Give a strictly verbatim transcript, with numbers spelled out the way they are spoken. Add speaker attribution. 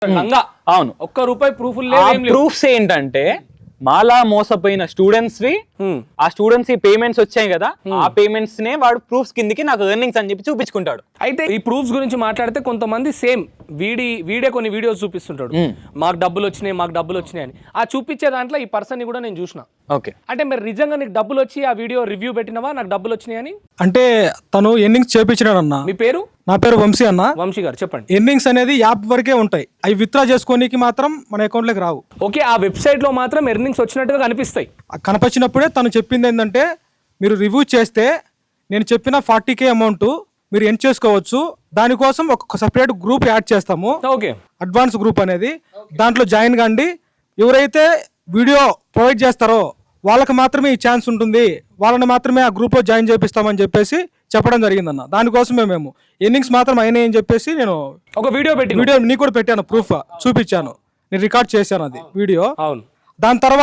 Speaker 1: అవును,
Speaker 2: ఒక్క రూపాయి ప్రూఫ్ లేదు.
Speaker 1: ప్రూఫ్స్ ఏంటంటే మాలా మోసపోయిన స్టూడెంట్స్ వి, ఆ స్టూడెంట్స్ కి పేమెంట్స్ వచ్చాయి కదా, ఆ పేమెంట్స్ నే వాడు ప్రూఫ్స్ కిందకి నాకు ఎర్నింగ్స్ అని చెప్పి చూపించుకుంటాడు.
Speaker 2: అయితే ఈ ప్రూఫ్స్ గురించి మాట్లాడితే కొంతమంది సేమ్ వీడి వీడే కొన్ని వీడియోస్ చూపిస్తుంటాడు, మాకు డబ్బులు వచ్చినాయి మాకు డబ్బులు వచ్చినాయి అని. ఆ చూపించే దాంట్లో ఈ పర్సన్ ని కూడా నేను చూసిన.
Speaker 1: ఓకే,
Speaker 2: అంటే మరి నిజంగా నీకు డబ్బులు వచ్చి ఆ వీడియో రివ్యూ పెట్టినవా నాకు డబ్బులు వచ్చినాయి అని?
Speaker 3: అంటే తను ఎర్నింగ్స్ చేపించినాడు అన్న.
Speaker 2: మీ పేరు?
Speaker 3: నా పేరు వంశీ అన్న.
Speaker 2: వంశీ గారు చెప్పండి.
Speaker 3: ఎర్నింగ్స్ అనేది యాప్ వరకే ఉంటాయి, అవి విత్డ్రా చేసుకోనికి మాత్రం మన అకౌంట్ లోకి రావు.
Speaker 2: ఓకే, ఆ వెబ్సైట్ లో మాత్రం ఎర్నింగ్స్ వచ్చినట్టుగా కనిపిస్తాయి.
Speaker 3: కనిపించినప్పుడే తను చెప్పింది ఏంటంటే, మీరు రివ్యూ చేస్తే నేను చెప్పిన ఫార్టీ కే అమౌంట్ మీరు ఎన్ చేసుకోవచ్చు, దానికోసం ఒక సపరేట్ గ్రూప్ యాడ్ చేస్తాము,
Speaker 2: ఓకే,
Speaker 3: అడ్వాన్స్ గ్రూప్ అనేది. దాంట్లో జాయిన్ కండి, ఎవరైతే వీడియో ప్రొవైడ్ చేస్తారో వాళ్ళకి మాత్రమే ఈ ఛాన్స్ ఉంటుంది, వాళ్ళని మాత్రమే ఆ గ్రూప్లో జాయిన్ చేపిస్తామని చెప్పేసి చెప్పడం జరిగిందన్న. దానికోసమే మేము ఎర్నింగ్స్ మాత్రం అయినాయి అని చెప్పేసి నేను
Speaker 2: ఒక వీడియో పెట్టి
Speaker 3: వీడియో నీకు కూడా పెట్టాను, ప్రూఫ్ చూపించాను, నేను రికార్డ్ చేశాను అది వీడియో.
Speaker 2: అవును,
Speaker 3: దాని తర్వాత